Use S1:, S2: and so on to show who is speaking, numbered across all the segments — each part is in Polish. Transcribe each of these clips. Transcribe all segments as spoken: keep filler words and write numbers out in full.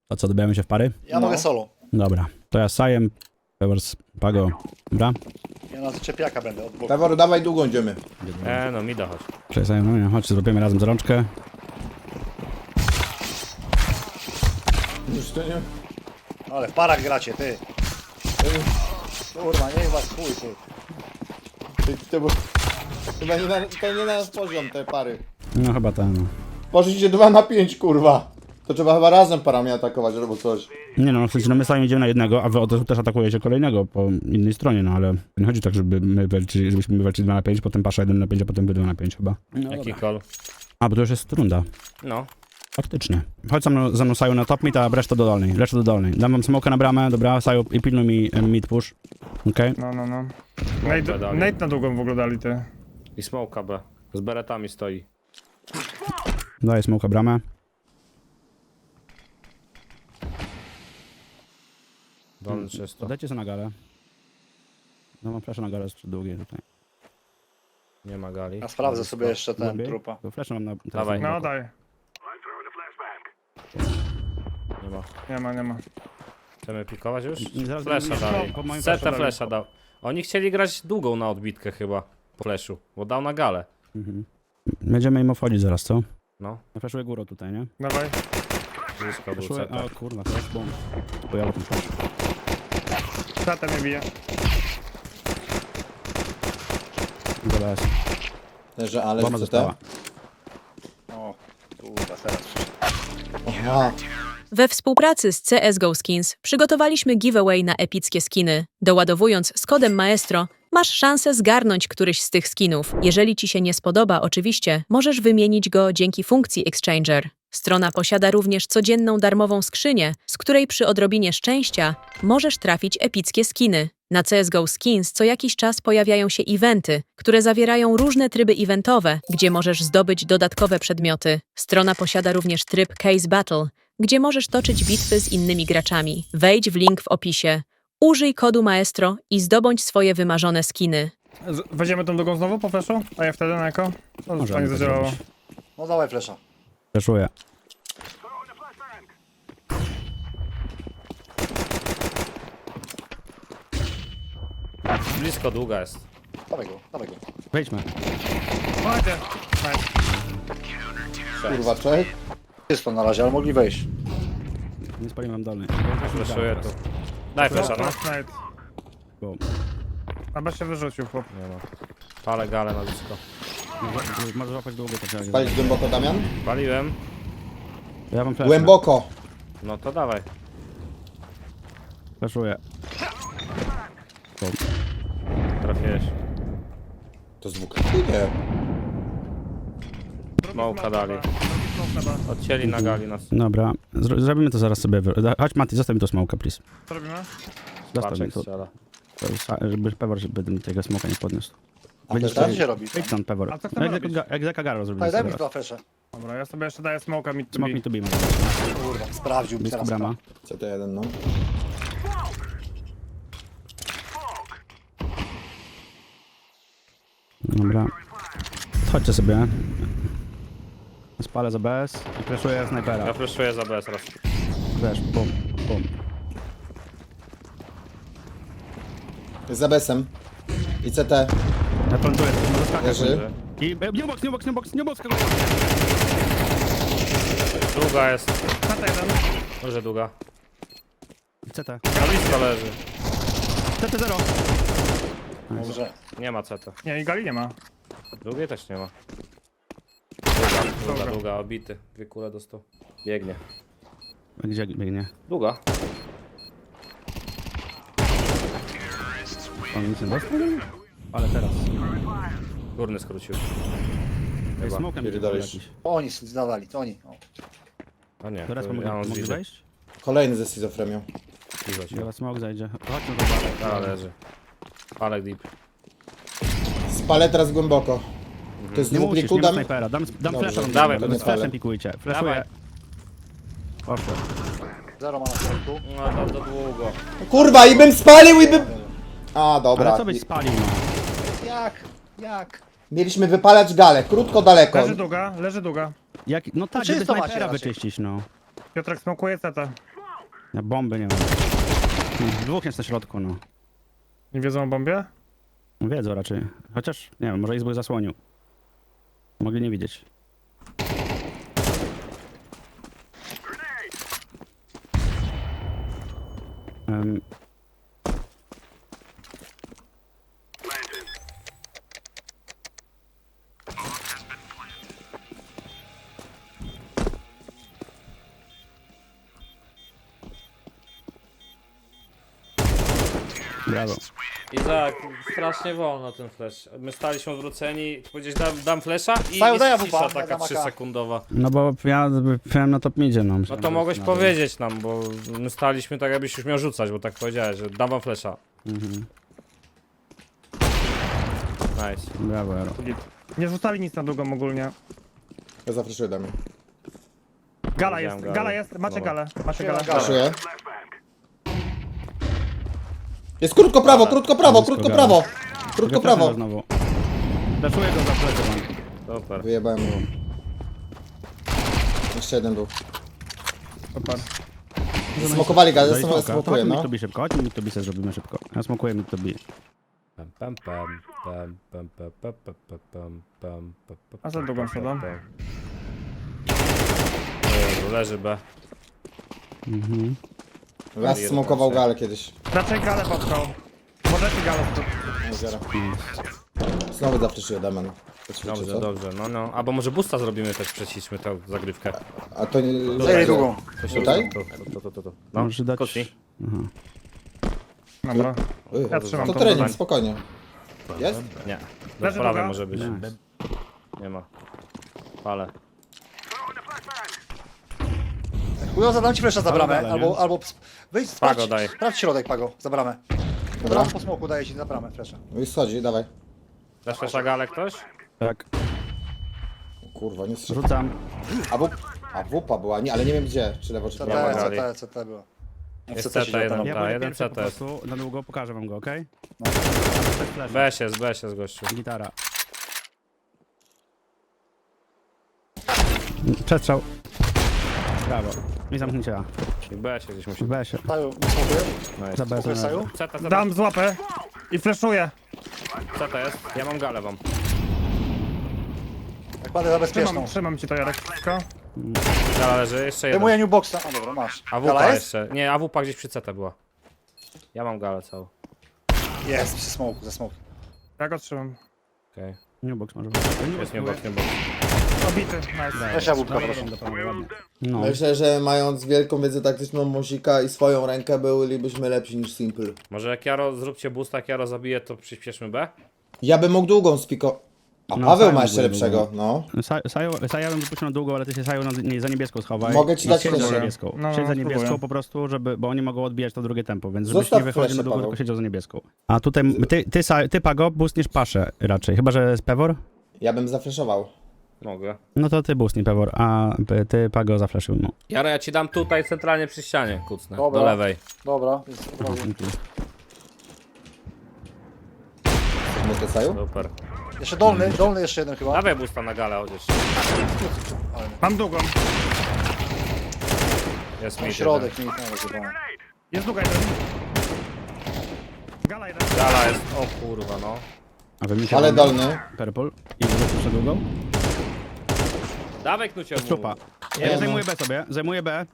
S1: To co, dobijamy się w pary?
S2: Ja
S3: No.
S2: mogę solo.
S1: Dobra. To ja z Sajem, Pewors, Pago. Dobra?
S2: Ja na czepiaka będę od boku.
S3: Pewor, dawaj długo idziemy.
S4: E, no mi da chodź.
S1: Cześć Sajem, no nie, chodź, zrobimy razem za rączkę.
S3: Już to nie...
S2: Ale w parach gracie, ty. Kurwa, niech was chuj, ty.
S3: Ty, ty, bo... Chyba nie na, to nie na nasz poziom te pary.
S1: No chyba ten, no.
S3: Poszliście dwa na pięć, kurwa. To trzeba chyba razem parami atakować albo coś.
S1: Nie no, w sensie, no my sami idziemy na jednego, a wy od razu też atakujecie kolejnego po innej stronie, no ale nie chodzi tak, żeby my walczyli, żebyśmy my walczyli dwa na pięć, potem pasza jeden na pięć, a potem wy dwa na pięć chyba. No
S4: Jaki
S1: dobra.
S4: call?
S1: A, bo to już jest runda.
S4: No.
S1: Faktycznie. Chodź za mną, za mną Saju na top mid, a reszta do dolnej, reszta do dolnej. Dam wam smoka na bramę, dobra, Saju i pilnuj mi e, mid push. Okej?
S5: No, no, no.
S4: Bombę
S5: Nate,
S4: dali.
S5: Nate na długą w ogóle dali, ty.
S4: I smoka B. Z beretami stoi.
S1: Daję smoka bramę.
S4: Dolny czysto.
S1: Dajcie sobie na galę. No mam flasza na galę jeszcze długie tutaj.
S4: Nie ma gali.
S2: Ja sprawdzę sobie jeszcze ten
S1: Głębiej?
S2: trupa.
S1: To flasza mam na... teraz
S4: Dawaj.
S1: na
S5: No,
S1: boku.
S5: daj.
S4: Nie ma.
S5: Nie ma, nie ma.
S4: Chcemy pikować już?
S1: Nie, zaraz
S4: Flesza
S1: będę-
S4: dali.
S1: po moim
S4: Setę
S1: flashu
S4: flesza dał. Oni chcieli grać długą na odbitkę chyba. Po fleszu. Bo dał na galę.
S1: Mhm. Będziemy im wchodzić zaraz, co?
S4: No.
S1: Ja flaszuję górą tutaj, nie?
S5: Dawaj.
S4: Blisko był
S1: Flaszuję...
S4: seta.
S1: O kurwa, flash bomb. Pojawił ten flash.
S5: Szatę mnie bije.
S1: Dobra, jest.
S3: Leży, ale
S1: Bomba
S3: co
S1: została.
S3: te?
S2: O, kurwa, teraz przyszedł.
S3: Aha.
S6: We współpracy z C S G O Skins przygotowaliśmy giveaway na epickie skiny. Doładowując z kodem Maestro, masz szansę zgarnąć któryś z tych skinów. Jeżeli ci się nie spodoba, oczywiście, możesz wymienić go dzięki funkcji Exchanger. Strona posiada również codzienną darmową skrzynię, z której przy odrobinie szczęścia możesz trafić epickie skiny. Na C S G O Skins co jakiś czas pojawiają się eventy, które zawierają różne tryby eventowe, gdzie możesz zdobyć dodatkowe przedmioty. Strona posiada również tryb Case Battle, gdzie możesz toczyć bitwy z innymi graczami. Wejdź w link w opisie. Użyj kodu Maestro i zdobądź swoje wymarzone skiny.
S5: Z- Weźmiemy tą drugą znowu po flashu? A ja wtedy na eko? To już
S1: Możemy
S5: fajnie
S1: tak
S5: zadziałało.
S1: zrobić.
S2: No dawaj flesza.
S1: Flaszuję.
S4: Blisko długa jest.
S2: Dawaj go, dawaj go.
S1: Wejdźmy.
S5: Chodźcie. Nice.
S3: Kurwa, czek.
S2: Jest to na razie, ale mogli wejść.
S1: Nie spaliłem wam dolny.
S4: Fleszuję tu. Daj flesza, no.
S5: Last night.
S1: Bo...
S5: Chyba się wyrzucił, chłop.
S4: Nie ma. Palę galę na blisko.
S1: Możesz łapać długo, to trzeba...
S3: Palić głęboko, Damian?
S4: Paliłem.
S1: Ja wam flash.
S3: Głęboko.
S4: No to dawaj.
S1: Flaszuję.
S4: Trafiłeś.
S3: To z dwóch. Nie.
S4: Smoka dali.
S5: Smoke na B.
S4: Odcięli na gali nas.
S1: Dobra, Zro zrobimy to zaraz sobie. wy- da- Chodź Mati, zostaw mi to smoka, please.
S5: Co robimy?
S1: Zostaw mi
S4: Paczek
S1: to,
S4: strzela.
S1: to sa- żeby Pewor, żeby tego smoka nie podniósł.
S3: A
S1: Będziesz
S3: teraz?
S2: Co się robi?
S1: Wyjdź stąd, Pewor.
S5: A co chcemy
S1: Jak
S5: robić?
S1: Zeka- Jak Zeka Garo zrobimy
S2: Daj, daj
S1: sobie
S2: mi
S1: teraz.
S2: dwa flesze.
S5: Dobra, ja sobie jeszcze daję smoka mid to
S1: Smok
S5: be.
S1: mi tu bijmy.
S2: Kurwa, sprawdził mi
S1: Blisko
S2: teraz.
S1: brama.
S3: C T jeden, no.
S1: Dobra. Chodźcie sobie. Spalę za B S i flashuję
S4: Ja
S1: snajpera.
S4: fleszuję za B S raz.
S1: Flash, bum, bum.
S3: Jest za besem. I C T.
S1: Ja plantuję, no zaskakać.
S3: Leży.
S1: I e, new box, new box, new box, new box.
S4: Długa jest.
S5: Szata jeden.
S4: Może długa.
S1: C T.
S4: Na blisko leży.
S1: C T zero.
S2: Może.
S4: Nie ma C T.
S5: Nie, i gali nie ma.
S4: Długiej też nie ma. Długa, długa,
S5: Dobra.
S4: długa, obity. Dwie kule dostał. Biegnie.
S1: Gdzie biegnie?
S4: Długa.
S1: On nic nie dostał? Ale teraz.
S4: Górny skrócił.
S1: Ej, smokem
S3: Pierdolisz.
S1: jakiś.
S2: To oni zdawali, to oni. O.
S4: A nie,
S1: Teraz
S4: to
S1: mogę,
S4: ja mam
S1: mogę
S4: zwidzę.
S1: wejść?
S3: Kolejny ze schizofrenią.
S4: Zwidzę się.
S1: Teraz smok zajdzie. Chodźmy do bary.
S4: A, leży. Palek deep.
S3: Spalę teraz głęboko. To jest
S1: Nie
S3: dwóch
S1: musisz,
S3: kliku,
S1: nie ma
S3: dam.
S1: snajpera. Dam, dam
S3: Dobrze.
S1: flasha.
S4: Dawaj,
S1: z
S3: będę
S1: flashem
S3: palę.
S1: pikujcie.
S4: Dawaj.
S1: Flashuję. Poszło.
S2: Zero ma na środku.
S4: No to, to długo.
S3: Kurwa, i bym spalił, i bym... A, dobra.
S1: Ale co byś
S3: I-
S1: spalił, no?
S2: Jak? Jak?
S3: Mieliśmy wypalać galę. Krótko, daleko.
S5: Leży długa, leży długa.
S1: Jak, no tak,
S2: czysto
S1: żeby
S2: macie
S1: snajpera
S2: raczej.
S1: wyczyścić, no.
S5: Piotrek smokuje ceta.
S1: Ja bomby nie mam. Dwóch jest na środku, no.
S5: Nie wiedzą o bombie?
S1: Wiedzą raczej. Chociaż, nie wiem, może Izbój zasłonił. Mogli nie widzieć. Um, brawo.
S4: Izak, strasznie wolno ten flash. My staliśmy odwróceni, powiedzieć dam, dam flasha i
S2: Stają,
S4: jest
S2: daj
S4: cisza
S2: AWP,
S4: taka
S2: dam A K.
S4: trzysekundowa.
S1: No bo ja byłem na top midzie, no.
S4: No to mogłeś powiedzieć nam, bo my staliśmy tak jakbyś już miał rzucać, bo tak powiedziałeś, że dam wam flasha.
S1: Mhm.
S4: Nice.
S1: Brawo, Ero.
S5: Nie rzucali nic na długą ogólnie.
S3: Ja zafreszuję damy.
S5: Gala
S4: Widziałem
S5: jest,
S4: galę.
S5: gala jest, macie
S4: Dobra.
S5: galę, macie galę.
S2: Galę.
S3: Freszuję. Jest krótko prawo, krótko prawo,
S1: Blisko
S3: krótko
S1: gala.
S3: prawo. Krótko prawo.
S1: Znowu. Daszuję go za plecy.
S4: Super.
S3: Wyjebałem mu. Jeszcze jeden był.
S5: Super.
S3: Smokowali galę,
S1: Daj
S3: ja
S1: smoka.
S3: smokuję,
S1: To chodźmy
S3: no.
S1: mid to be szybko, chodźmy mid to be se zrobimy szybko. Ja smokuję mid to be.
S4: Pam, pam, pam, pam, pam, pam, pam, pam, pam, pam, pam, pam, pam,
S5: A za długą
S4: pam,
S5: szedłem.
S4: pam. Jezu, leży B.
S1: Mhm.
S3: Raz smokował galę kiedyś.
S5: Raczej galę popchał. Możecie galę stąd.
S3: Nie zbiera. Znowu zafreszuję Damian.
S4: Dobrze,
S3: co?
S4: dobrze, no no. Albo może boosta zrobimy też, przecismy tę zagrywkę.
S3: A to nie...
S2: Zajęli długą.
S4: To się
S3: Tutaj?
S4: To, to, to, to, to. No,
S1: Może dać...
S4: kotli.
S1: Aha.
S5: Dobra.
S3: Ej,
S5: Ja trzymam
S3: To
S5: tą
S3: trening,
S5: broń.
S3: spokojnie. Jest?
S4: Nie. Do
S5: Leży
S4: prawej
S5: druga.
S4: może być.
S1: Nie.
S4: Nie ma. Fale.
S2: Chujo, zadam ci flesza za bramę,
S1: galę, nie?
S2: albo, albo wyjdź,
S4: Pago
S2: sprawdź,
S4: daj.
S2: sprawdź środek, Pago, za bramę.
S3: Dobra.
S2: Po smoku daje ci za bramę flesza.
S3: No i schodzi, dawaj.
S4: Dasz flasha galę ktoś?
S1: Tak,
S3: Kurwa, nie strzel.
S1: rzucam.
S3: A wup... A wupa była, nie, ale nie wiem gdzie. Czy lewo, czy
S2: C T,
S3: prawo.
S4: ma gali.
S2: C T, C T było.
S4: Jest
S2: C T się
S4: C T jeden.
S2: dzieje
S1: Ja
S4: Ta,
S1: będę
S4: jeden
S1: pierwszy
S4: C
S1: po
S4: T jest.
S1: prostu, na długo pokażę wam go, okej?
S4: B się, z B się z gościu.
S1: Gitara. Przestrzał. Brawo. I zamknięcie A.
S4: I B się gdzieś musi.
S1: W B się.
S2: tam. Saju, smokuje.
S4: Nice.
S1: Za B
S2: Smokuje
S1: są
S2: Saju.
S4: C T, C T,
S5: Dam złapę i fleszuję.
S4: C T jest. Ja mam galę wam.
S2: Jak padę za bezpieczną.
S5: Trzymam, trzymam ci to Jarek wszystko.
S4: Gala leży, jeszcze jeden.
S2: Wyjmuję new boxa. A dobra, masz.
S4: A
S2: Gala
S4: WP
S2: jest?
S4: jeszcze. Nie, A WP gdzieś przy C T była. Ja mam galę całą.
S2: Jest, przy smoku, za smoku.
S5: Ja go trzymam.
S4: Okej.
S1: New box może.
S4: Jest nie box, nie box.
S5: Obity, nice.
S2: Weź jabłka, proszę.
S1: No.
S3: Myślę, że mając wielką wiedzę taktyczną Muzika i swoją rękę bylibyśmy lepsi niż Simple.
S4: Może jak Jaro, zróbcie boosta, jak Jaro zabije, to przyspieszmy B?
S3: Ja bym mógł długą spiko... A
S1: No,
S3: Paweł
S1: Simon
S3: ma jeszcze
S1: był
S3: lepszego, no.
S1: Saja bym wypuścił na długą, ale ty się Saju na, nie, za niebieską schowaj.
S3: Mogę ci
S1: I
S3: dać
S1: siedź za
S3: proszę.
S1: niebieską.
S5: No,
S1: Siedź za
S5: spróbuję.
S1: niebieską po prostu, żeby, bo oni mogą odbijać to drugie tempo, więc żebyś
S3: Zostaw
S1: nie wychodził
S3: flesze,
S1: na długą,
S3: Paweł.
S1: tylko siedział za niebieską. A tutaj ty, ty, Sa- ty Pago, boostniesz paszę raczej, chyba że jest Pewor?
S3: Ja bym zafreszował.
S4: Mogę.
S1: No to ty boostnij Pewor, a ty Pago zafleszył, no.
S4: Jaro, ja ci dam tutaj centralnie przy ścianie, kucnę.
S2: Dobra.
S4: Do lewej.
S2: Dobra, jest od razu.
S3: Mówię Saju?
S4: Super.
S2: Jeszcze dolny, dolny jeszcze jeden chyba.
S4: Dawaj boosta na galę chociaż.
S5: Mam długą.
S4: Jest
S2: Ten
S4: mi
S2: środek, nie nie rozjebany.
S5: Jest długa jeden. Gala jeden.
S4: Gala jest, o kurwa no.
S1: A wy mi
S3: Ale dolny.
S1: Purple i wrócił przed długą.
S4: Dawaj knucie mu.
S1: Trupa.
S3: Nie,
S1: Ja
S3: no.
S1: zajmuję B sobie, zajmuję B.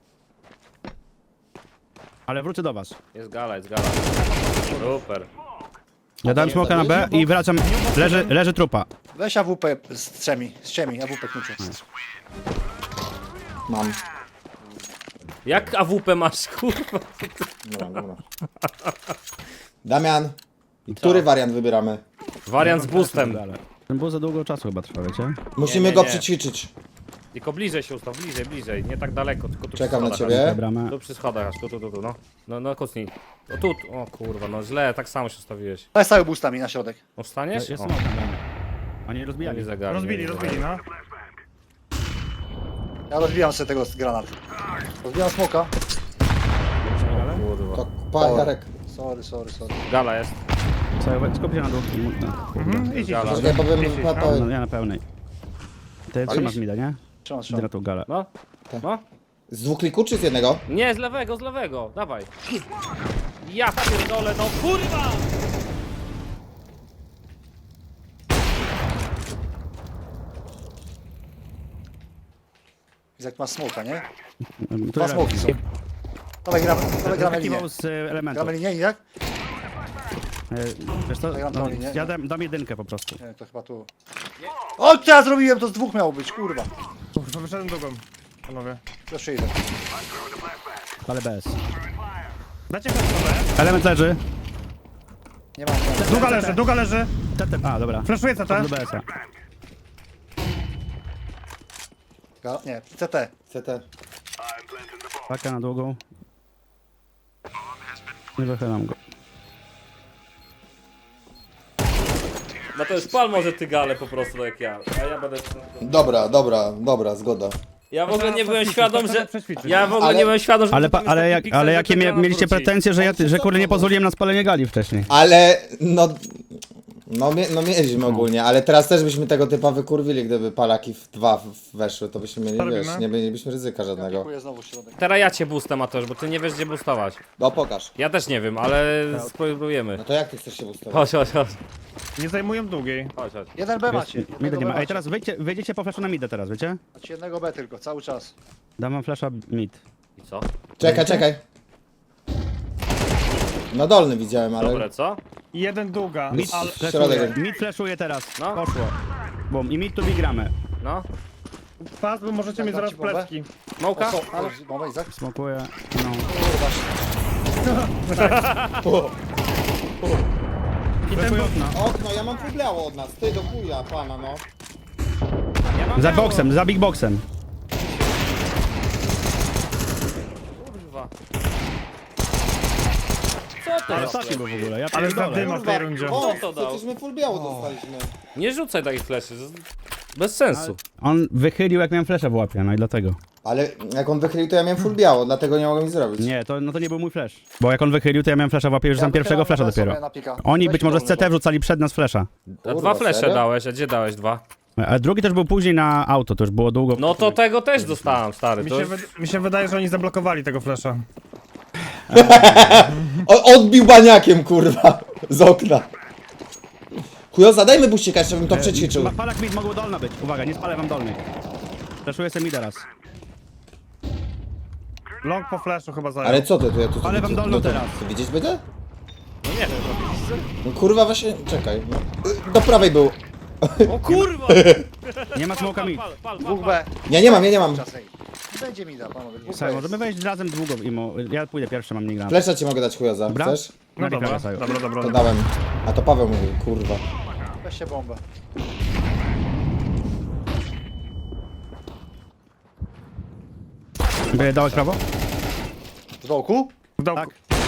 S1: Ale wrócę do was.
S4: Jest gala, jest gala. Super.
S1: Ja dałem smoka na B i wracam, leży, leży trupa.
S2: Weź A W P z trzemi, z trzemi, A W P knuciu.
S3: Mam.
S4: Jak A W P masz, kurwa?
S3: Dobra, dobra. Damian. I który wariant wybieramy?
S4: Wariant z boostem.
S1: Ale ten był za długo czasu chyba trwa, wiecie?
S3: Musimy
S4: nie,
S3: go
S4: nie.
S3: przećwiczyć.
S4: Tylko bliżej się ustaw, bliżej, bliżej. Nie tak daleko, tylko tu
S3: Czekam
S4: przy
S3: na
S4: schodach.
S3: ciebie.
S1: Bramę.
S4: Tu przy schodach aż, tu, tu, tu, tu, no. No, no kucnij. O tu, tu. O kurwa, no źle, tak samo się ustawiłeś.
S2: Daj Saju boostami na środek.
S4: No wstaniesz?
S1: Jest
S4: O,
S1: smok na bramę. Oni
S4: nie
S1: rozbijali.
S4: widzę gali,
S5: Rozbili,
S4: nie widzę
S5: rozbili,
S4: gali.
S5: no.
S2: Ja rozbijam sobie tego granat. Rozbijam smoka.
S4: Kurwa.
S3: To pa, Jarek.
S2: Sorry, sorry, sorry.
S4: Gala jest.
S1: Co, skup się na dół.
S5: Mhm, idź, idź.
S4: Gala.
S3: Ja powiem,
S5: Idź,
S3: pa,
S5: idź,
S3: pa,
S1: No, ja na pełnej. Ty trzymasz mida, nie?
S2: Trzymam,
S1: Idę
S2: trzymam.
S1: na tą galę.
S4: No,
S3: Tak.
S4: no.
S3: Z dwóch klików czy z jednego?
S4: Nie, z lewego, z lewego, dawaj. Ja pierdolę, no kurwa!
S2: Jak ma smoka, nie?
S1: Tu
S2: Dwa
S1: jest-
S2: smoki są. Dawaj, gramy, dawaj, gramy linię.
S1: Zakiwał z e, elementu.
S2: Gramy linię i jak?
S1: E, Wiesz co?
S2: Ja mam
S1: No,
S2: tą linię.
S1: ja dam, dam jedynkę po prostu.
S2: Nie, to chyba tu. O, co ja zrobiłem? To z dwóch miało być, kurwa.
S5: Kurwa, wyszedłem drugą. Panowie.
S2: Jeszcze idę.
S1: Ale bez.
S5: Dajcie flash.
S1: Element leży.
S2: Nie mam. Nie mam.
S5: Długa leży, długa leży.
S1: T T. A, dobra.
S5: Flashuję C T.
S1: Do B S-a.
S2: Ga- Nie, C T.
S3: C T.
S1: Paka na długą. Nie wychylam go.
S4: No to jest pal może ty gale po prostu tak jak ja. A ja będę...
S3: Dobra, dobra, dobra, zgoda.
S4: Ja w ogóle nie byłem
S5: Przećwiczyć,
S4: świadom,
S5: to
S4: że...
S5: przećwiczyć.
S4: Ja w ogóle
S3: Ale-
S4: nie byłem świadom, że...
S1: Ale,
S4: tam
S1: pa,
S4: jest
S1: ale,
S4: taki
S1: jak,
S4: piksel,
S1: ale
S4: że
S1: jakie
S4: ten
S1: mia,
S4: granat
S1: mieliście
S4: wróci.
S1: pretensje, że, ja,
S3: No,
S1: że
S3: co
S1: kurde nie
S3: to?
S1: pozwoliłem na spalenie gali wcześniej?
S3: Ale, no... No, mie, no mieliśmy ogólnie, ale teraz też byśmy tego typa wykurwili, gdyby palaki w dwa w- weszły, to byśmy mieli,
S5: Co
S3: wiesz,
S5: robimy?
S3: nie mielibyśmy ryzyka żadnego.
S2: Dziękuję znowu środek.
S4: Teraz ja cię boostam, Mateusz, bo ty nie wiesz gdzie boostować.
S3: No pokaż.
S4: Ja też nie wiem, ale spróbujemy.
S3: No to jak ty chcesz się ustawić?
S4: Chodź, chodź, chodź.
S5: Nie zajmują długiej.
S4: Chodź, chodź.
S2: Jeden B macie.
S1: Mida
S2: Jednego
S1: nie
S2: B
S1: ma. Ej,
S2: macie.
S1: teraz wyjdzie, wyjdziecie po flashu na midę teraz, wiecie?
S2: Macie jednego B tylko, cały czas.
S1: Dam wam flasha mid.
S4: I co?
S3: Czekaj, czekaj. No dolny widziałem, ale...
S4: Dobre, co?
S5: I jeden długa.
S1: Mid
S5: Ale...
S1: flashuje.
S3: środek.
S1: Mid flashuje teraz.
S4: No.
S1: Poszło. Bum. I mid tu gramy.
S4: No?
S5: Pas, bo możecie mieć
S2: Dam
S5: zaraz
S2: ci bombę?
S5: plecki.
S4: Małka?
S2: O, ale... Moment, Izak.
S1: Smokuję. No.
S5: I ten był...
S3: Okno, ja mam publiało od nas, ty do chuja, pana, no.
S4: Ja mam
S1: Za
S4: białą.
S1: boksem, za big boxem.
S4: Kurwa. Co to
S1: Ale
S4: jest?
S1: ostatni był w ogóle, ja
S5: Ale
S1: pierdolę.
S5: zadyma w tej rundzie.
S3: O,
S4: Kto to dał?
S3: przecież my full biało dostaliśmy.
S4: Nie rzucaj takich fleszy. to jest Bez sensu.
S1: On wychylił jak miałem flasha w łapie, no i dlatego.
S3: Ale jak on wychylił, to ja miałem full biało, dlatego nie mogłem nic zrobić.
S1: Nie, to, no to nie był mój flash. Bo jak on wychylił, to ja miałem flasha w łapie już
S2: Ja
S1: tam pierwszego
S2: wychylam
S1: flasha
S2: na
S1: dopiero.
S2: sobie na pika.
S1: Oni
S2: Weź
S1: być może z
S2: dolny,
S1: C T wrzucali przed nas flasha.
S4: A
S3: Kurwa,
S4: dwa flesze
S3: serio?
S4: dałeś, a gdzie dałeś dwa?
S1: A drugi też był później na auto, to już było długo.
S4: No to tego też dostałem, stary.
S5: Mi
S4: To
S5: się,
S4: już...
S5: wy... mi się wydaje, że oni zablokowali tego flasha.
S3: O, odbił baniakiem, kurwa, z okna. Chujo, zadajmy buścika, jeszcze bym to przećwiczył.
S1: Ma- Palak mid mogło dolna być. Uwaga, nie spalę wam dolnej. Flashuję sobie mid teraz.
S5: Long po flashu chyba zajął.
S3: Ale co ty, tu ja tu...
S1: Ale
S3: tu-
S1: wam
S3: tu-
S1: dolną
S3: tu-
S1: teraz.
S3: tu Widzieć będę?
S4: No nie wiem, robiliście?
S3: No, kurwa, właśnie, czekaj. No. Do prawej był.
S4: O kurwa!
S1: Nie ma smoka mid.
S4: Pal, pal, pal,
S2: Dwóch
S4: pal.
S2: B.
S3: Nie, nie mam, ja nie mam.
S2: Czas, ej. Będzie mi da, panowie. Dwóch
S1: Słuchaj,
S2: B
S1: możemy
S2: jest.
S1: wejść razem długo imo. Ja pójdę pierwszy, mam nigdy.
S3: Flesza ci mogę dać, chujoza.
S1: Dobra?
S3: Chcesz?
S5: No dobra,
S1: Saju.
S5: dobra, dobra.
S3: To dałem. A to Paweł mówił, kurwa.
S2: Weźcie bombę.
S1: By dałeś prawo?
S2: W dołku?
S5: W dołku.
S1: Tak.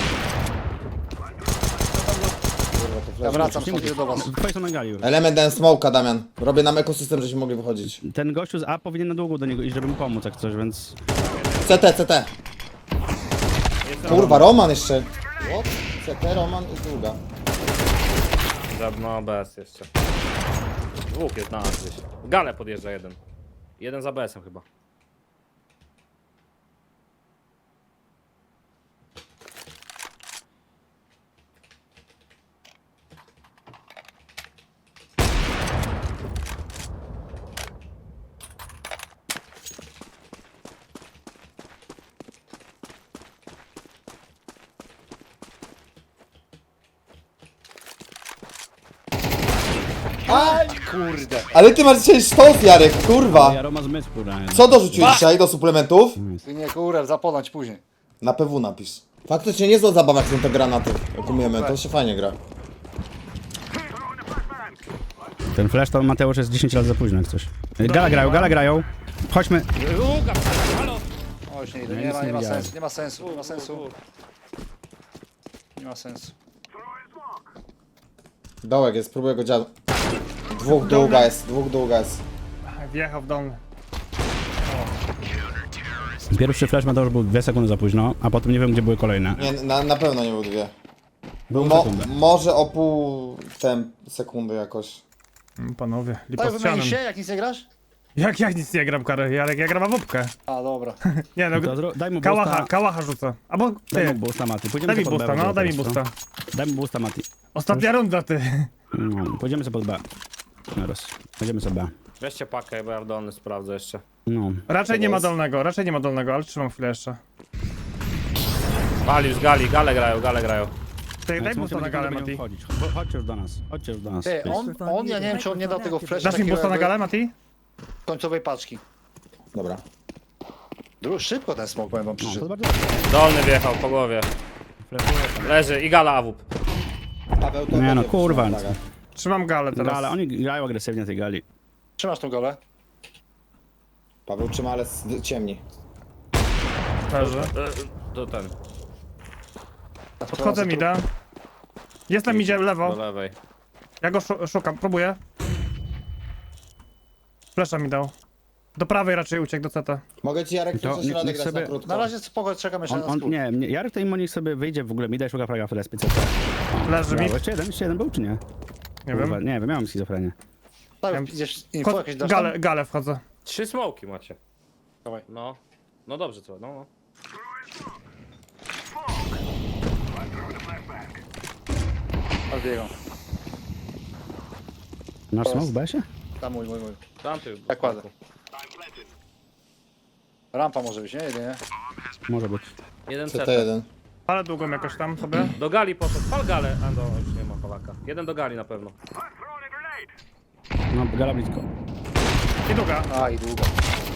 S3: Kurwa, to
S2: Ja
S3: flash.
S2: wracam stąd do was.
S1: Twoje są na gali już.
S3: Element dałem smoka, Damian. Robię nam ekosystem, żebyśmy mogli wychodzić.
S1: Ten gościu z A powinien na długo do niego iść, żeby mu pomóc jak coś, więc...
S3: C T, C T. Kurwa, Roman jeszcze. What? C T, Roman i długa.
S4: Za- No bez jeszcze. Dwóch jest na nas gdzieś. Gale podjeżdża jeden. Jeden za B S-em chyba.
S2: Aj, kurde.
S3: Ale ty masz dzisiaj sztos, Jarek, kurwa.
S1: Ja Roma z mysku grałem.
S3: Co dorzuciłeś dzisiaj do suplementów?
S2: Ty nie kurę, zaponąć później.
S3: Na P W napisz. Faktycznie niezła zabawa, jak są te granaty. Jak umiemy, to się fajnie gra.
S1: Ten flash to Mateusz jest dziesięć lat za późno jak coś. Gala grają, gala grają. Chodźmy.
S4: Długa, halo!
S2: O, już nie idę.
S1: Ja
S2: Nie
S1: nic
S2: ma,
S1: nie
S2: nie ma
S1: widziałem.
S2: sensu, nie ma sensu, nie ma sensu. Nie ma sensu.
S3: Dołek jest, próbuję go dziadu. Dwóch długa jest, dwóch długa jest.
S5: Wjechał w dolny.
S1: Pierwszy flash Mateusz był dwie sekundy za późno, a potem nie wiem gdzie były kolejne.
S3: Nie, na, na pewno nie był dwie.
S1: Był
S3: Mo,
S1: sekundę.
S3: może o pół tem sekundy jakoś.
S5: Mm, Panowie,
S2: Tak,
S5: lipa z
S2: wymienisz się,
S5: sianem.
S2: jak nic nie grasz?
S5: Jak, jak nic nie gram, Karol? Jarek, ja gram awupkę.
S2: A, dobra.
S5: Nie no,
S1: To zro- daj mu
S5: kałacha,
S1: boosta.
S5: kałacha rzucę. Albo
S1: Daj mu
S5: ty,
S1: boosta, Mati. Pójdziemy
S5: daj mi
S1: sobie pod
S5: boosta,
S1: B
S5: no, daj mi
S1: teraz,
S5: boosta.
S1: Daj mu boosta, Mati.
S5: Ostatnia runda, ty.
S1: No, pójdziemy sobie pod B. Teraz. Pójdziemy sobie B.
S4: Weźcie pakę, bo ja w dolny sprawdzę jeszcze.
S1: No.
S5: Raczej nie ma
S3: jest?
S5: dolnego, raczej nie ma dolnego, ale trzymam chwilę jeszcze.
S4: Wali już gali, gale grają, gale grają.
S5: Ty, daj
S1: Więc
S5: boosta na
S1: będziemy
S5: galę,
S1: będziemy
S5: Mati.
S1: wchodzić. Cho- Chodźcie już do nas. Chodźcie już do nas.
S2: Ty, on, on, ja nie wiem, czy on nie dał tego flasha
S5: Dasz mi
S2: takiego
S5: boosta na
S2: jakby
S5: galę, Mati?
S2: końcowej paczki.
S3: Dobra.
S2: Dru- Szybko ten smok, powiem wam
S1: No, to
S2: przyszedł.
S1: bardzo dobrze.
S4: Dolny wjechał po głowie.
S1: Flashuję tam.
S4: Leży i gala awup.
S3: Paweł, to
S1: Nie no,
S3: będzie
S1: kurwa.
S3: wyszła uwaga.
S5: Trzymam galę teraz.
S1: Ale oni grają agresywnie tej gali.
S2: Trzymasz tą galę?
S3: Paweł trzyma, ale s- ciemni.
S5: Leży.
S4: E, To ten,
S5: Podchodzę mi da. Jestem idzie
S4: do
S5: lewo.
S4: lewej.
S5: Ja go szu szukam, próbuję. Flesza mi dał. Do prawej raczej uciekł do C T.
S3: Mogę ci, Jarek,
S1: To
S3: jeszcze
S1: niech-
S3: środek
S1: niech
S3: grać
S1: sobie-
S3: na krótko.
S2: Na razie spoko, czekam jeszcze
S1: On,
S2: na
S1: on,
S2: skrót.
S1: nie, nie, Jarek to im niech sobie wyjdzie w ogóle mida i szuka fraga w respie C T.
S5: Leży mi.
S1: Brawo, jeszcze jeden, jeszcze jeden był czy nie?
S5: Nie
S1: Kurwa,
S5: wiem.
S1: nie wiem, miałem schizofrenię.
S2: Tak, idziesz info
S5: Wchod-
S2: jakieś dasz
S5: Galę,
S2: tam?
S5: galę wchodzę.
S4: Trzy smoki macie.
S2: Dawaj.
S4: No. No dobrze, co? No, no.
S2: Odbiegam.
S1: Masz smok w besie?
S2: Tam mój, mój, mój.
S4: Tamty.
S2: Tak kładę. Rampa może być, nie? Jedynie.
S1: Może być.
S4: Jeden
S3: C
S4: C
S3: T jeden.
S5: Ale długą jakoś tam sobie.
S4: Do gali poszedł. Pal galę. A no, już nie ma Polaka. Jeden do gali na pewno.
S1: No, gala blisko.
S5: I długa.
S2: A, i długo.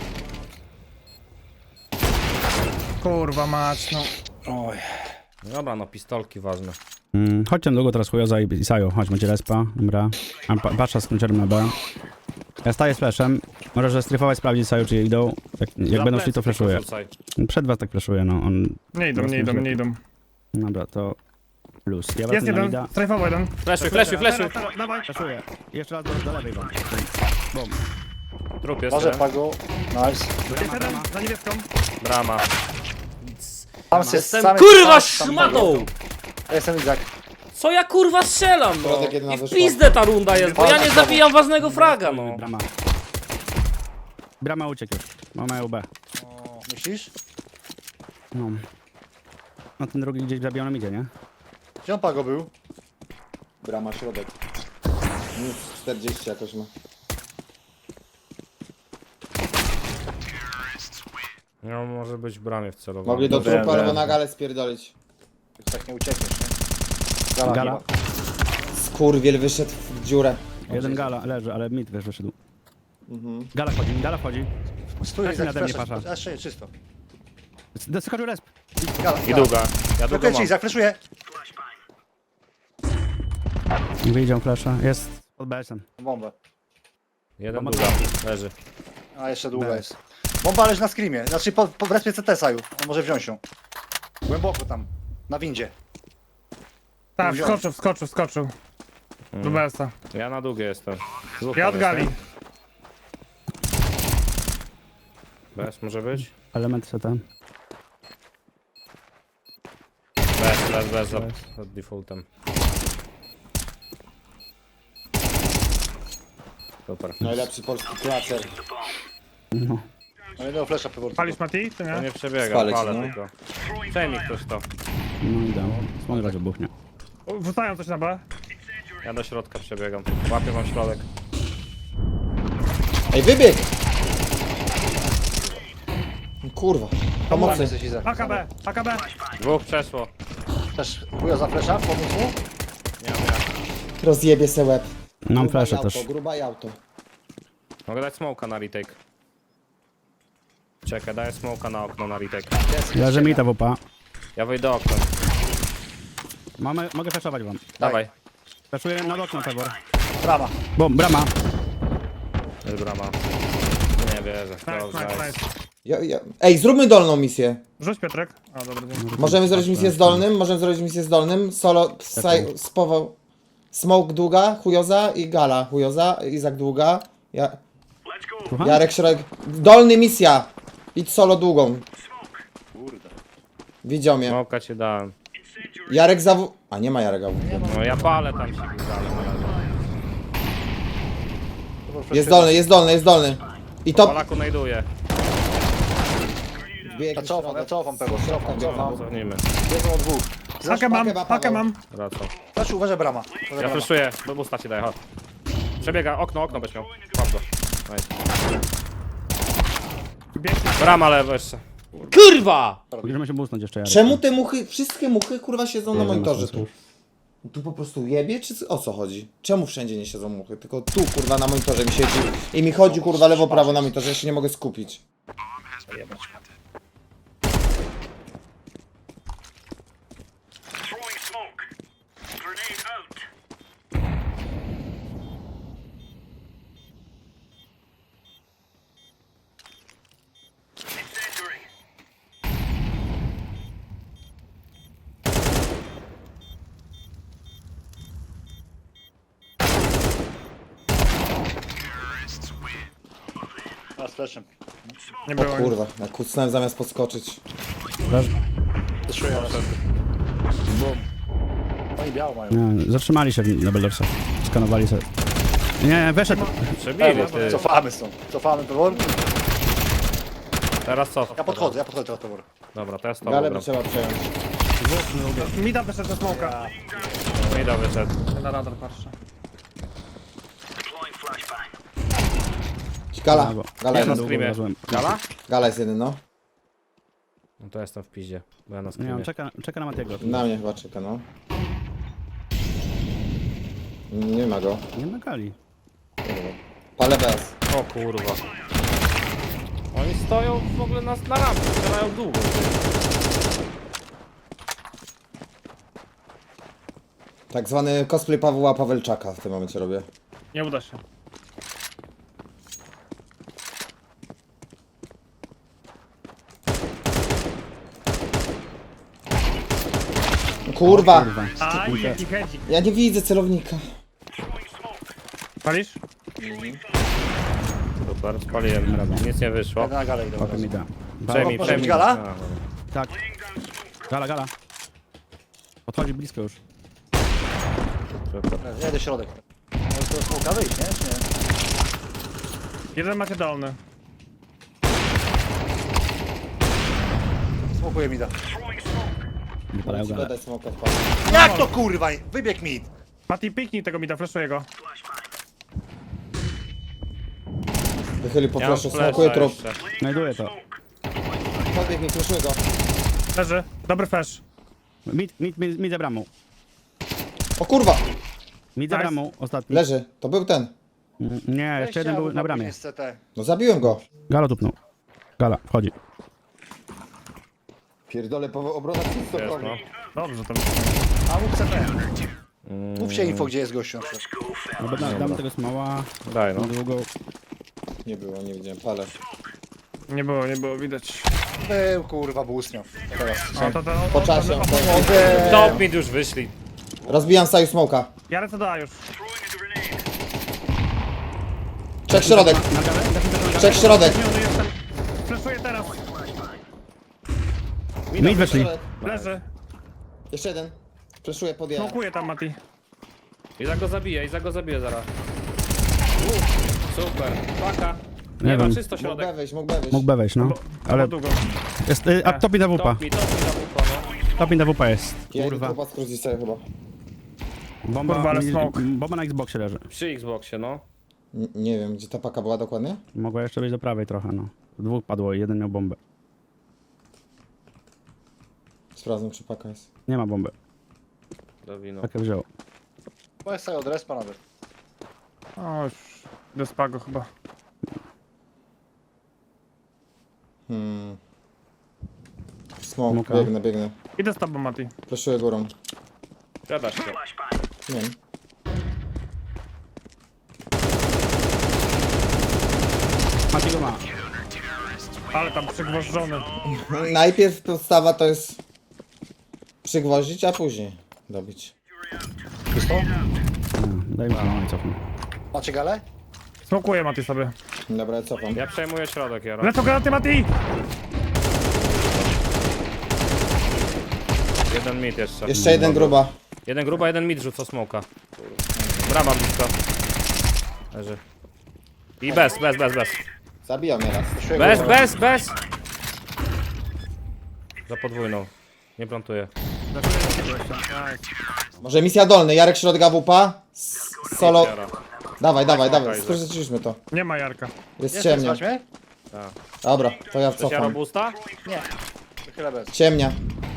S5: Kurwa mać, no.
S2: Oj.
S4: Dobra, no pistolki ważne.
S1: Mm, chodźcie długo teraz Chujoza i Isajo. Chodź, macie respa. Dobra. Mam pa patrza z kluczem na B. Ja staję z flashem. Możesz stryfować, sprawdzić Isajo, czy je idą. Jak, jak
S4: Za
S1: będą szli, to
S4: plecy
S1: flashuję.
S4: tylko rzucaj.
S1: Przed was tak flashuję, no. On...
S5: Nie idą, nie idą, nie idą.
S1: Dobra, to plus. Ja
S5: Jest
S1: wracam na
S5: jeden,
S1: mida.
S5: strajfował jeden.
S4: Fleszuj, fleszuj, fleszuj.
S5: Teraz, Dawaj.
S1: Flashuję. Jeszcze raz do, do lewej wam. Bum.
S4: Trup jest.
S2: Może
S4: jeden.
S2: pago. Nice.
S5: Jest jeden, za niebieską.
S4: Brama.
S2: Tam jest,
S4: Jestem
S2: sam
S4: kurwa
S2: jest- tam-
S4: szmatą!
S2: Ja jestem Izak.
S4: Co ja kurwa strzelam, no?
S3: Środek jedna
S4: I w
S3: wyszła.
S4: pizdę ta runda jest, bo ja nie zabijam ważnego fraga, no.
S1: Brama. Brama uciekł już. Mamy U B.
S2: O, myślisz?
S1: No. No ten drugi gdzieś zabijał idzie, nie?
S2: Gdzie on pago był?
S3: Brama, środek. Minus czterdzieści jakoś ma.
S4: No może być w bramie wcelowany.
S3: Mogli do
S2: Wiem,
S3: trupa
S2: wiem.
S3: albo na galę spierdolić.
S2: Tak nie uciekniesz, nie? Gala.
S1: Gala.
S2: chyba.
S3: Skurwiel wyszedł w dziurę.
S1: Jeden gala leży, ale mid też wyszedł.
S3: Mhm.
S1: Gala wchodzi, gala wchodzi.
S2: Stój,
S1: Tak
S2: Izak,
S1: nade mnie
S2: flash.
S1: pasza.
S2: A, jeszcze nie, czysto.
S1: Doskoczył resp.
S2: Gala,
S4: I długa. Ja długo
S2: Blokuję ci,
S4: mam.
S2: Izak, flashuję.
S1: Wyjdzie flasha. Jest pod B S-em.
S2: Bombę.
S4: Jeden
S1: Bomba
S4: długa. Leży.
S2: A, jeszcze długa
S1: B.
S2: jest. Bomba leży na screamie. Znaczy, po, po w respie C T Saju. On może wziąć ją. Głęboko tam. Na windzie.
S5: Tak,
S2: Wziąłem.
S5: wskoczył, wskoczył, wskoczył. Do B S-a.
S4: Ja na długie jestem. Dwóch
S5: Ja
S4: tam
S5: od gali.
S4: jest, nie? Bez może być?
S1: Element C T.
S4: Bez, bez, bez. Za, za defaultem. Super.
S3: Najlepszy polski klacer.
S1: No.
S2: No jednego flasha pewnie.
S5: Palisz Mati, czy
S4: To
S5: nie?
S4: nie przebiega,
S3: Spalę ci,
S4: palę
S3: no.
S4: tylko. Przejmij ktoś to.
S1: No i dało. Smog razie buchnie.
S5: Wrzucają coś na B.
S4: Ja do środka przebiegam. Łapię wam środek.
S3: Ej, wybieg! Kurwa.
S2: Pomocy
S3: Pomocy.
S2: jesteś, Izak.
S5: A K B, A K B.
S4: Dwóch przeszło.
S2: Też chuja za flasha, pomóc mu?
S4: Nie mam jak.
S3: Rozjebie se łeb.
S1: Mam
S3: Gruba
S1: flaszę
S3: i auto,
S1: też.
S3: Gruba i auto.
S4: Mogę dać smoka na retake. Czekaj, daję smoka na okno na retake.
S1: Leży mi ta W P.
S4: Ja wyjdę oknem.
S1: Mamy, mogę flashować wam.
S4: Dawaj.
S1: Flashuję nad okno, Pebor.
S2: Brama.
S1: Bum, brama.
S4: Jest brama. Nie wierzę.
S5: Nice,
S4: Dobrze
S5: nice,
S4: jest.
S5: nice.
S3: Ja, ja. Ej, zróbmy dolną misję.
S5: Rzuć Piotrek. A, dobra, dzięki.
S3: Możemy zrobić misję z dolnym, możemy zrobić misję z dolnym. Solo, saj, spował. Smoke długa, chujoza i gala. Chujoza, Izak długa. Ja,
S1: Słucham?
S3: Jarek środek. Dolny misja. Idź solo długą.
S2: Kurde.
S3: Widział mnie.
S4: Smoka ci dałem.
S3: Jarek za w... A nie ma Jarek A W.
S4: No ja palę tam się dalej na razie.
S3: Jest dolny, jest dolny, jest dolny. I to...
S4: Polaku najduje.
S2: Ja cofam, ja cofam pewno, cofam, cofam.
S4: Cofnijmy.
S2: Jest o dwóch.
S5: Pakę mam,
S3: pakę ma
S5: pakę
S3: Paweł.
S5: mam.
S4: Wracam.
S2: Znaczy, uważaj brama. Uważaj
S4: Ja
S2: brama.
S4: flashuję, bo busta ci daję, chodź. Przebiega, okno, okno byś miał. Mam go. Nice.
S5: Biegnie.
S4: Brama lewo jeszcze. Kurwa!
S1: Możemy się busnąć jeszcze, Jarek.
S3: Czemu te muchy, wszystkie muchy kurwa siedzą na
S1: Nie wiem,
S3: monitorze
S1: na
S3: tu? Tu po prostu jebie, czy o co chodzi? Czemu wszędzie nie siedzą muchy? Tylko tu kurwa na monitorze mi siedzi i mi chodzi kurwa lewo prawo na monitorze, ja się nie mogę skupić.
S2: A, z flashem.
S5: Nie
S3: O
S5: było nic.
S3: kurwa, jak kucnąłem zamiast podskoczyć.
S2: Zeszuję raz. Oni biało mają.
S1: Nie, zatrzymali się na Beldorsach. Skanowali sobie. Nie, weszedł.
S4: Przebili, ty.
S2: Cofamy stąd. Cofamy pewor.
S4: Teraz co?
S2: Ja podchodzę, ja podchodzę teraz pewor.
S4: Dobra, to jest to.
S3: Galę by trzeba przejąć.
S5: Mida wyszedł ze smoka.
S4: Mida wyszedł.
S5: Na radar patrzę.
S3: Gala,
S1: Brawo.
S3: gala
S4: Ja na
S3: jeden.
S4: screamie.
S1: Włożyłem.
S4: Gala?
S3: Gala jest jeden, no.
S4: No to jestem w piździe, bo ja na
S1: Nie,
S4: screamie.
S1: on czeka, czeka na Matiego.
S3: Na mnie chyba czeka, no. Nie ma go.
S1: Nie nagali.
S3: Palę bez.
S4: O kurwa. Oni stoją w ogóle na, na rampie, strzelają długo.
S3: Tak zwany cosplay Pawła Pawelczaka w tym momencie robię.
S5: Nie uda się.
S3: Kurwa!
S1: Kurwa.
S5: Aj, jaki hedzik.
S3: Ja nie widzę celownika.
S5: Palisz?
S4: Super, spaliłem. Nic nie wyszło.
S2: Jadę na galę idę.
S1: Potem mi da.
S4: Przejmij,
S2: Może
S4: przejmij.
S2: być gala?
S4: A, dobra.
S1: Tak. Gala, gala. Podchodzi blisko już.
S4: Super.
S2: Jedę środek. Może to smoka wyjść, nie? Czy nie?
S5: Jeden macie dolny.
S2: Smokuję mi da.
S1: Wypalają galę.
S3: Będę smoka wpadł.
S2: Jak to kurwa? Wybieg mid.
S5: Mati, piknij tego mida, flashuję go.
S3: Wychyli po
S4: Ja mam
S3: flashu,
S4: flasha
S3: smokuję trup.
S4: jeszcze.
S1: Znajduję to.
S3: Podbieg mi, flashuję go.
S5: Leży. Dobry flash.
S1: Mid, mid, mid, mid za bramą.
S3: O kurwa!
S1: Mid za
S5: Nice.
S1: bramą, ostatni.
S3: Leży, to był ten.
S1: Mm, Nie, jeszcze jeden był na bramie.
S2: Z C T.
S3: No zabiłem go.
S1: Gala tupnął. Gala, wchodzi.
S3: Pierdolę, po obrona czysto
S4: Jest, no.
S5: Dobrze, to
S2: A mów C T. Mówcie info, gdzie jest gościu. na przykład.
S1: No, da, damy tego smała.
S4: Daj no.
S1: Na długo.
S3: Nie było, nie widziałem, palę.
S5: nie było, nie było widać.
S2: Był kurwa, był ustniał. Teraz.
S5: O, to, to,
S3: Po czasie.
S4: Top mid już wyszli.
S3: Rozbijam saju smoka.
S5: Ja lecę do A już.
S3: Czek środek.
S1: Na galę?
S3: Czek środek.
S5: Zmieniony jestem. Flashuję teraz.
S1: Mid weszli.
S5: Leży.
S3: Jeszcze jeden. Flashuję pod ja.
S5: Smokuję tam, Mati.
S4: Iza go zabije, Iza go zabije zaraz. Super. Paka.
S1: Nie
S4: Nie ma
S1: wiem.
S4: czysto
S3: Mógł
S4: środek.
S3: B wejść, mógł B wejść.
S1: Mógł B wejść, no.
S5: Ale
S1: Ale
S5: długo.
S1: jest, y, a topi na wupa.
S4: Top mid, top mid, top mid, no.
S1: Topi na wupa jest.
S3: Ja idę
S1: Kurwa.
S3: trupa skrócić sobie chyba.
S1: Bomba,
S5: Kurwa, ale
S1: mi-
S5: smoke.
S1: bomba na Xboxie leży.
S4: Przy Xboxie, no.
S3: N nie wiem, gdzie ta paka była dokładnie?
S1: Mogła jeszcze być do prawej trochę, no. Dwóch padło i jeden miał bombę.
S3: Sprawdzę, czy paka jest.
S1: Nie ma bomby.
S4: Do wino.
S1: Takie wziął.
S2: To jest sobie od respa nawet.
S5: O, już. Do spago chyba.
S3: Hmm. Smoke,
S1: Smoka.
S3: biegnę, biegnę.
S5: Idę z tobą, Mati.
S3: Flashuję górą.
S4: Gadasz się.
S3: Nie wiem.
S1: Mati go ma.
S5: Ale tam przygwożdżony.
S3: Najpierw podstawa to jest przygwoździć, a później dobić.
S2: Czysto?
S1: No, daj mi no i cofnę.
S2: Macie galę?
S5: Smokuję, Mati, sobie.
S3: Dobra, ja cofam.
S4: Ja przejmuję środek, Jaro.
S5: Lecą granaty, Mati!
S4: Jeden mid jeszcze.
S3: Jeszcze jeden gruba.
S4: Jeden gruba, jeden mid rzuca smoka. Brama blisko. Leży. I bez, bez, bez, bez.
S3: Zabijał mnie raz.
S2: Puszuję
S4: Bez,
S2: głowę.
S4: bez, bez! Za podwójną. Nie plantuję.
S3: Może misja dolny, Jarek środka wupa. S- Solo.
S4: Jara.
S3: Dawaj, dawaj, dawaj.
S4: Okej,
S3: Skończyliśmy to.
S5: Nie ma Jarka.
S3: Jest
S2: Nie
S3: ciemnia.
S2: chcesz mnie?
S4: Tak.
S3: Dobra, to ja
S4: Chcesz Jaro
S3: cofam.
S4: boosta?
S2: Nie. To chwilę bez.
S3: Ciemnia.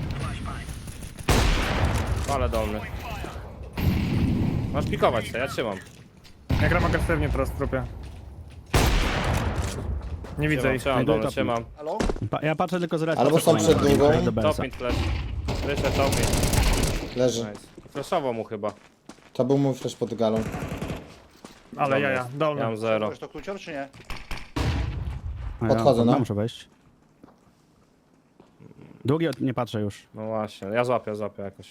S4: Ale dolny. Masz pikować się, ja trzymam.
S5: Ja gram agresywnie teraz w trupie. Nie widzę
S4: Trzymam,
S5: ich.
S4: trzymam
S1: Znajduję
S4: dolny,
S1: topy.
S4: trzymam.
S2: Halo?
S1: Pa, ja patrzę tylko z racji.
S3: Albo są przed długą.
S1: Do B S a.
S4: Topint flash. Wyszedł topint.
S3: Leży.
S4: Nice. Flashował mu chyba.
S3: To był mój flash pod galą.
S5: Ale jaja,
S4: Ja
S5: dolny.
S4: mam zero.
S2: Możesz to klucior, czy nie?
S1: A
S3: Podchodzę,
S1: ja,
S3: no.
S1: Muszę wejść. Długi od- nie patrzę już.
S4: No właśnie, ja złapię, złapię jakoś.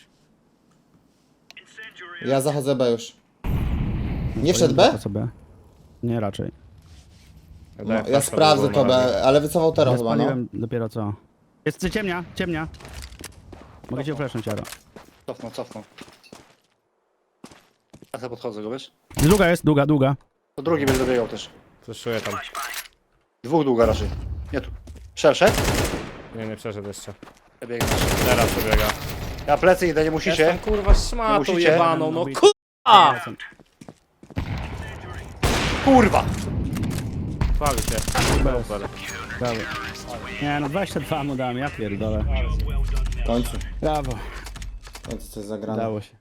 S3: Ja zachodzę B już. Nie wszedł B?
S1: Po co B? Nie, raczej.
S3: No,
S4: daję
S3: ja
S4: flasha
S3: sprawdzę
S4: drugą
S3: to
S4: na razie.
S3: B, ale wycofał teraz
S1: Ja
S3: chyba, no.
S1: spaliłem dopiero co. Jest ciemnia, ciemnia. Mogę cię flashnąć, Jaro.
S2: Cofnął, cofnął. Ja sobie podchodzę go, wiesz?
S1: Długa jest, długa, długa.
S2: To drugi będzie dobiegał też.
S4: Flashuję tam.
S2: Dwóch długa raczej. Nie tu. Przeszedł?
S4: Nie, nie przeszedł jeszcze.
S2: Ja biegnę.
S4: Teraz przebiega.
S2: Ja plecy idę, nie musicie.
S4: Jestem kurwa szmatą
S2: musicie.
S4: jebaną, no kurwa!
S2: Kurwa!
S4: Chwali się. Super.
S1: Brawo. Nie no, dwadzieścia dwa mu dałem, ja pierdolę.
S3: W końcu.
S1: Brawo,
S3: W końcu coś zagrane.
S1: udało się.